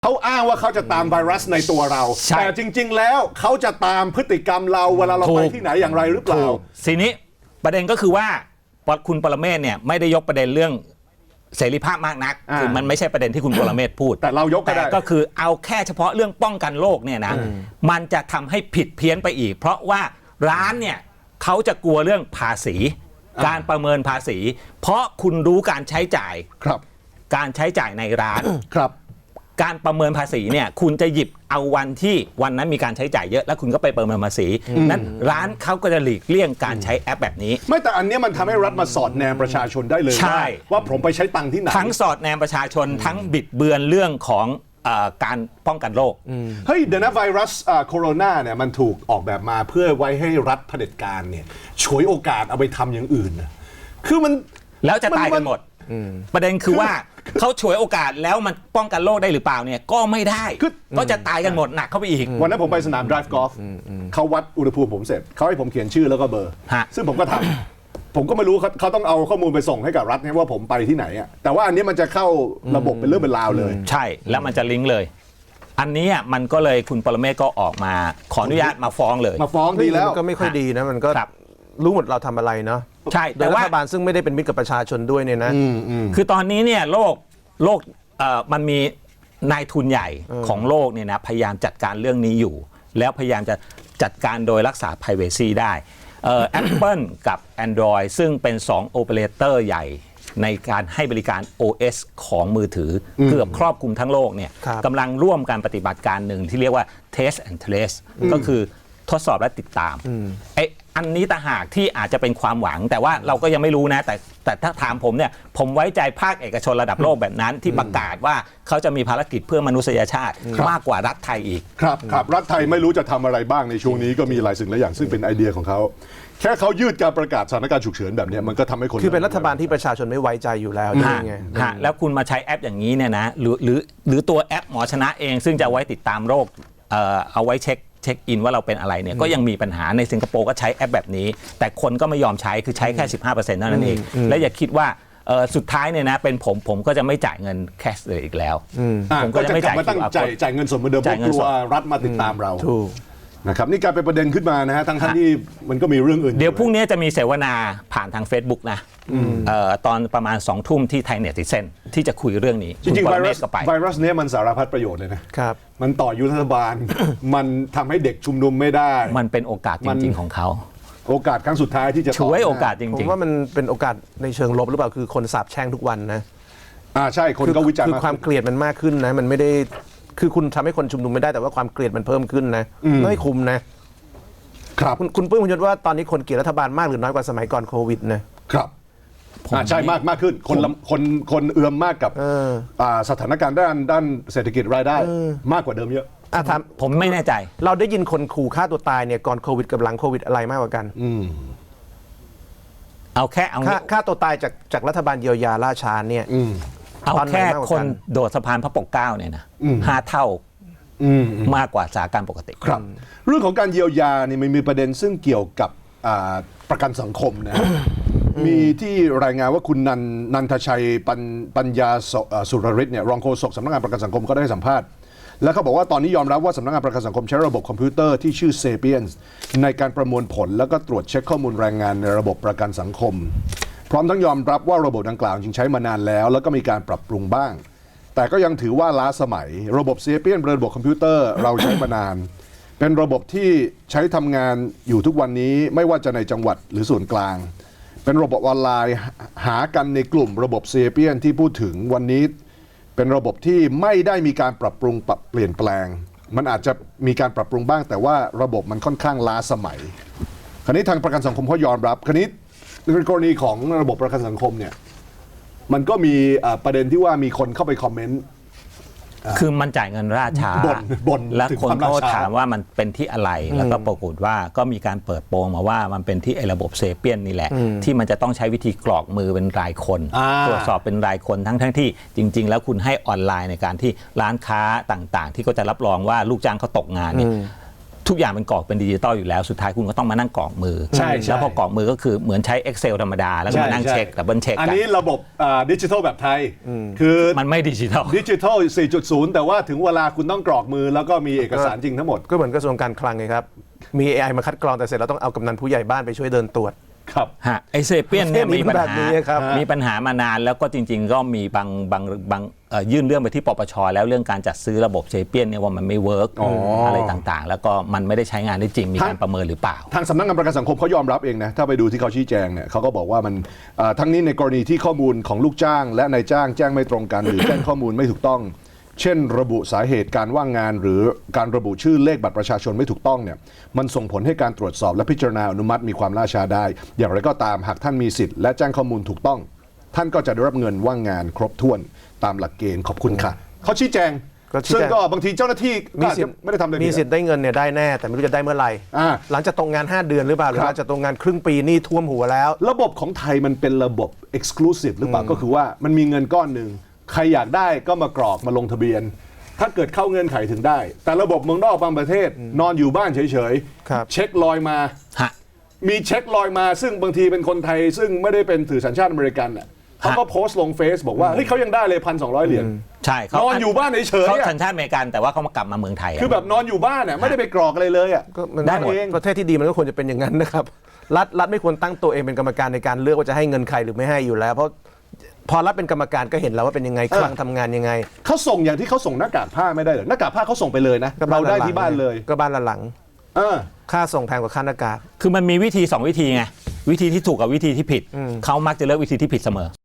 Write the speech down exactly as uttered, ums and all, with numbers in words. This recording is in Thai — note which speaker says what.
Speaker 1: เขาอ้างว่าเขาจะตามไวรัสในตัวเราแต่จริงๆแล้วเขาจะตามพฤติกรรมเราเวลาเราไปที่ไหนอย่างไรหรือเปล่า
Speaker 2: ทีนี้ประเด็นก็คือว่าคุณปรเมศเนี่ยไม่ได้ยกประเด็นเรื่องเสรีภาพมากนักคือมันไม่ใช่ประเด็นที่คุณปรเมศพูด
Speaker 1: แต่เรายกก็ได้
Speaker 2: ก็คือเอาแค่เฉพาะเรื่องป้องกันโรคเนี่ยนะมันจะทำให้ผิดเพี้ยนไปอีกเพราะว่าร้านเนี่ยเขาจะกลัวเรื่องภาษีการประเมินภาษีเพราะคุณรู้การใช้จ่าย
Speaker 1: ครับ
Speaker 2: การใช้จ่ายในร้าน
Speaker 1: ครับ
Speaker 2: การประเมินภาษีเนี่ยคุณจะหยิบเอาวันที่วันนั้นมีการใช้จ่ายเยอะแล้วคุณก็ไปประเมินภาษีนั้นร้านเขาก็จะหลีกเลี่ยงการใช้แอปแบบนี้
Speaker 1: ไม่แต่อันนี้มันทำให้รัฐมาสอดแนมประชาชนได้เลยใช่ว่าผมไปใช้ตังค์ที่ไหน
Speaker 2: ทั้งสอดแนมประชาชนทั้งบิดเบือนเรื่องของการป้องกันโรค
Speaker 1: เฮ้ยเดี๋ยวนะไวรัสโคโรนาเนี่ยมันถูกออกแบบมาเพื่อไว้ให้รัฐเผด็จการเนี่ยฉวยโอกาสเอาไปทำอย่างอื่นคือมัน
Speaker 2: แล้วจะตายกันหมดประเด็นคือว่าเขาฉวยโอกาสแล้วมันป้องกันโรคได้หรือเปล่าเนี่ยก็ไม่ได้ก็จะตายกันหมดหนักเข้าไปอีก
Speaker 1: วันนั้นผมไปสนาม drive golf เขาวัดอุณหภูมิผมเสร็จเขาให้ผมเขียนชื่อแล้วก็เบอร์ซึ่งผมก็ทำผมก็ไม่รู้เขาต้องเอาข้อมูลไปส่งให้กับรัฐว่าผมไปที่ไหนอ่ะแต่ว่าอันนี้มันจะเข้าระบบเป็นเรื่องเป็นราวเลย
Speaker 2: ใช่แล้วมันจะลิงก์เลยอันนี้มันก็เลยคุณปรเมศก็ออกมาขออนุญาตมาฟ้องเลย
Speaker 1: มาฟ้องดีแล้ว
Speaker 3: ก็ไม่ค่อยดีนะมันก็รู้หมดเราทำอะไรเนาะ
Speaker 2: ใช่แต่ว่า
Speaker 3: รัฐบาลซึ่งไม่ได้เป็นมิตรกับประชาชนด้วยเนี่ยนะ
Speaker 2: คือตอนนี้เนี่ยโลกโลกมันมีนายทุนใหญ่ของโลกเนี่ยนะพยายามจัดการเรื่องนี้อยู่แล้วพยายามจะจัดการโดยรักษา privacy ได้แอปเปิลกับ Android ซึ่งเป็นสองโอเปอเรเตอร์ใหญ่ในการให้บริการ โอ เอส ของมือถือเกือบครอบคลุมทั้งโลกเนี่ยกำลังร่วมการปฏิบัติการหนึ่งที่เรียกว่า Test and Trace ก็คือทดสอบและติดตามไอ้อันนี้ต่างหากที่อาจจะเป็นความหวังแต่ว่าเราก็ยังไม่รู้นะแต่แต่ถ้าถามผมเนี่ยผมไว้ใจภาคเอกชนระดับโลกแบบนั้นที่ประกาศว่าเขาจะมีภารกิจเพื่อมนุษยชาติมากกว่ารัฐไทยอีก
Speaker 1: ครับครับรัฐไทยไม่รู้จะทำอะไรบ้างในช่วงนี้ก็มีหลายสิ่งหลายอย่างซึ่งเป็นไอเดียของเขาแค่เขายืดการประกาศสถานการณ์ฉุกเฉินแบบนี้มันก็ทำให้คน
Speaker 3: คือเป็นรัฐบาลที่ประชาชนไม่ไว้ใจอยู่แล้วนี่ไง
Speaker 2: แล้วคุณมาใช้แอปอย่างนี้เนี่ยนะหรือหรือหรือตัวแอปหมอชนะเองซึ่งจะไว้ติดตามโรคเอ่อเอาไว้เช็คเช็คอินว่าเราเป็นอะไรเนี่ยก็ยังมีปัญหาในสิงคโปร์ก็ใช้แอปแบบนี้แต่คนก็ไม่ยอมใช้คือใช้แค่ สิบห้าเปอร์เซ็นต์ เท่านั้นเองและอย่าคิดว่าสุดท้ายเนี่ยนะเป็นผมผมก็จะไม่จ่ายเงินแคชเลยอีกแล้ว
Speaker 1: ผมก็จะไม่จ่ายจ่ายจ่ายเงินสดเหมือนเดิมเพราะกลัวรัฐมาติดตามเรานะครับนี่กลายเป็นประเด็นขึ้นมานะฮะทั้งที่มันก็มีเรื่องอื่น
Speaker 2: เดี๋ยวพรุ่งนี้จะมีเสวนาผ่านทาง Facebook นะตอนประมาณสองทุ่มที่ไทยเน็ตซิเซนที่จะคุยเรื่องนี้
Speaker 1: จริงๆไวรัสไวรัสนี้มันสารพัดประโยชน์เลยนะครับมันต่อยุทธบาลมันทำให้เด็กชุมนุมไม่ได้
Speaker 2: มันเป็นโอกาสจริงๆของเขา
Speaker 1: โอกาสครั้งสุดท้ายที่จะ
Speaker 2: ช่วยโอกาสจริงๆ
Speaker 3: ผมว่ามันเป็นโอกาสในเชิงลบหรือเปล่าคือคนสาปแช่งทุกวันนะ
Speaker 1: อ่าใช่คนก็วิจารณ์
Speaker 3: คือความเกลียดมันมากขึ้นนะมันไม่ได้คือคุณทำให้คนชุมนุมไม่ได้แต่ว่าความเกลียดมันเพิ่มขึ้นนะไม่คุ้มนะครับคุณคุณปุ้ยคุณยศว่าตอนนี้คนเกลียดรัฐบาลมากหรือน้อยกว่าสมัยก่อนโควิดนะครับ
Speaker 1: อ่าใช่มากมากขึ้นคนคนคนเอื้อมมากกับอ่าสถานการณ์ด้านด้านเศรษฐกิจรายได้มากกว่าเดิมเยอะ
Speaker 2: อ่ะถามผมไม่แน่ใจ
Speaker 3: เราได้ยินคนขู่ฆ่าตัวตายเนี่ยก่อนโควิดกับหลังโควิดอะไรมากกว่ากัน
Speaker 2: เอาแค่เอา
Speaker 3: ฆ่าตัวตายจากจากรัฐบาลเยียวยาล่าช้าเนี่ย
Speaker 2: เอาแค่คนโดดสะพานพระปกเกล้าเนี่ยนะห้าเท่ามากกว่าสถานการณ์ปกติ
Speaker 1: ครับเรื่องของการเยียวยานี่มันมีประเด็นซึ่งเกี่ยวกับประกันสังคมนะมีที่รายงานว่าคุณนันนันทชัยปัญปัญญาสุรฤทธิ์เนี่ยรองโฆษกสำนักงานประกันสังคมก็ได้สัมภาษณ์แล้วเขาบอกว่าตอนนี้ยอมรับว่าสำนักงานประกันสังคมใช้ระบบคอมพิวเตอร์ที่ชื่อ Sapiens ในการประมวลผลแล้วก็ตรวจเช็คข้อมูลแรงงานในระบบประกันสังคมพร้อมทั้งยอมรับว่าระบบดังกล่าวจริงใช้มานานแล้วแล้วก็มีการปรับปรุงบ้างแต่ก็ยังถือว่าล้าสมัยระบบ Sapiens เป็นระบบคอมพิวเตอร์เราใช้มานานเป็นระบบที่ใช้ทำงานอยู่ทุกวันนี้ไม่ว่าจะในจังหวัดหรือส่วนกลางเป็นระบบออนไลน์หากันในกลุ่มระบบ Sapiens ที่พูดถึงวันนี้เป็นระบบที่ไม่ได้มีการปรับปรุงปรับเปลี่ยนแปลงมันอาจจะมีการปรับปรุงบ้างแต่ว่าระบบมันค่อนข้างล้าสมัยคราวนี้ทางประกันสังคมเขายอมรับคราวนี้ในกรณีของระบบประกันสังคมเนี่ยมันก็มีประเด็นที่ว่ามีคนเข้าไปคอมเมนต์
Speaker 2: คือมันจ่ายเงินราช้าและคนก็ถามว่ามันเป็นที่อะไรแล้วก็ปรากฏว่าก็มีการเปิดโปงมาว่ามันเป็นที่ไอ้ระบบเซเปียนนี่แหละที่มันจะต้องใช้วิธีกรอกมือเป็นรายคนตรวจสอบเป็นรายคนทั้งทั้งที่จริงๆแล้วคุณให้ออนไลน์ในการที่ร้านค้าต่างๆที่ก็จะรับรองว่าลูกจ้างเขาตกงานเนี่ยทุกอย่างมันกรอกเป็นดิจิตอลอยู่แล้วสุดท้ายคุณก็ต้องมานั่งกรอกมือ
Speaker 1: ใช่ใช่
Speaker 2: แล้วพอกรอกมือก็คือเหมือนใช้ Excel ธรรมดาแล้วก็มานั่งเช็คดับเบิลเช็ค
Speaker 1: อัน
Speaker 2: กัน
Speaker 1: นี้ระบบดิจิทัลแบบไทยคือ
Speaker 2: มันไม่ดิจิตอล
Speaker 1: ดิจิทัล สี่จุดศูนย์ แต่ว่าถึงเวลาคุณต้องกรอกมือแล้วก็มีเอกสารจริงทั้งหมด
Speaker 3: ก็เหมือนกระทรวงการคลังไงครับมี เอ ไอ มาคัดกรองแต่เสร็จเราต้องเอากำนันผู้ใหญ่บ้านไปช่วยเดินตรวจ
Speaker 1: ครับ
Speaker 2: ฮะไอเซเปียนเนี่ย
Speaker 3: ประเทศนี้
Speaker 2: มีปัญ
Speaker 3: แบบ
Speaker 2: หา
Speaker 3: นี้ครับ
Speaker 2: มีปัญหามานานแล้วก็จริง ๆ ก็มีบางบางบางเอ่อยื่นเรื่องไปที่ปปชแล้วเรื่องการจัดซื้อระบบเซเปียนเนี่ยว่ามันไม่เวิร์ก
Speaker 1: อ๋ออ
Speaker 2: อะไรต่างๆ แล้วก็มันไม่ได้ใช้งานได้จริงมีการประเมินหรือเปล่า
Speaker 1: ทางสำนักงานประกันสังคมเขายอมรับเองนะ ถ้าไปดูที่เขาชี้แจงเนี่ยเขาก็บอกว่ามันเอ่อทั้งนี้ในกรณีที่ข้อมูลของลูกจ้าง และนายจ้างแจ้งไม่ตรงกัน หรือแจ้งข้อมูลไม่ถูกต้อง เช่น ระบุสาเหตุการว่างงาน หรือการระบุชื่อเลขบัตรประชาชนไม่ถูกต้องเนี่ยมันส่งผลให้การตรวจสอบและพิจารณาอนุมัติมีความล่าช้าได้ อย่างไรก็ตามหากท่านมีสิทธิ์และแจ้งข้อมูลถูกต้อง ท่านก็จะได้รับเงินว่างงานครบถ้วนตามหลักเกณฑ์ขอบคุณค่ะเขาชี้แจง
Speaker 3: ก็ชี้แจง
Speaker 1: ซึ่งก็บางทีเจ้าหน้าที่ก็
Speaker 3: มี
Speaker 1: อาจ
Speaker 3: สิท
Speaker 1: จะ
Speaker 3: ธิ์
Speaker 1: ไม่ได้ทำอะไร
Speaker 3: มี
Speaker 1: ผิด
Speaker 3: สิทธิ์ได้เงินเนี่ยได้แน่แต่ไม่รู้จะได้เมื่อไหร่
Speaker 1: อ่า
Speaker 3: หลังจากตรงงานห้าเดือนหรือเปล่าหรือ
Speaker 1: ครับ
Speaker 3: หลังจากตรงงานครึ่งปีนี่ท่วมหัวแล้ว
Speaker 1: ระบบของไทยมันเป็นระบบ exclusive หรือเปล่าก็คือว่ามันมีเงินก้อนหนึ่งใครอยากได้ก็มากรอกมาลงทะเบียน ถ้าเกิดเข้าเงื่อนไขถึงได้ แต่ระบบเมืองนอกบางประเทศ นอนอยู่บ้านเฉย
Speaker 3: ครับ
Speaker 1: เช็คลอยมา
Speaker 2: ฮะ
Speaker 1: มีเช็คลอยมาซึ่งบางทีเป็นคนไทย ซึ่งไม่ได้เป็นถือสัญชาติอเมริกันน่ะเขาก็โพสต์ลงเฟซบอกว่าเฮ้ยเขายังได้เลยพันสองร้อยเหรียญ
Speaker 2: ใช่เขา
Speaker 1: นอนอยู่บ้านเฉยๆ
Speaker 2: เขา
Speaker 1: อะ
Speaker 2: สัญชาติอเมริกันแต่ว่าเขามากลับมาเมืองไทยะ
Speaker 1: คือแบบนอนอยู่บ้านน่ะไม่ได้ไปกรอกอะไรเลยอ่ะ
Speaker 3: ก็มัน
Speaker 2: ได้หมด
Speaker 3: เองประเทศที่ดีมันก็ควรจะเป็นอย่างนั้นนะครับรัฐรัฐไม่ควรตั้งตัวเองเป็นกรรมการในการเลือกว่าจะให้เงินใครหรือไม่ให้อยู่แล้ว เพราะพอรัฐเป็นกรรมการก็เห็นแล้วว่าเป็นยังไงคลังทำงานยังไง
Speaker 1: เขาส่งอย่างที่เขาส่งหน้ากากผ้าไม่ได้เหรอหน้ากากผ้าเขาส่งไปเลยนะ
Speaker 3: ก็
Speaker 1: เราได้
Speaker 3: ละหง
Speaker 1: ที่บ้านเลย
Speaker 3: ก็บ้านละหลัง
Speaker 1: เออ
Speaker 3: ค่าส่งแพงกว่าค่าหน้ากาก
Speaker 2: คือมันมีวิธีสองวิธีไงวิธีที่ถูกกับวิธีที่ผิดเขามักจะเลือกวิธีที่ผิดเสมอ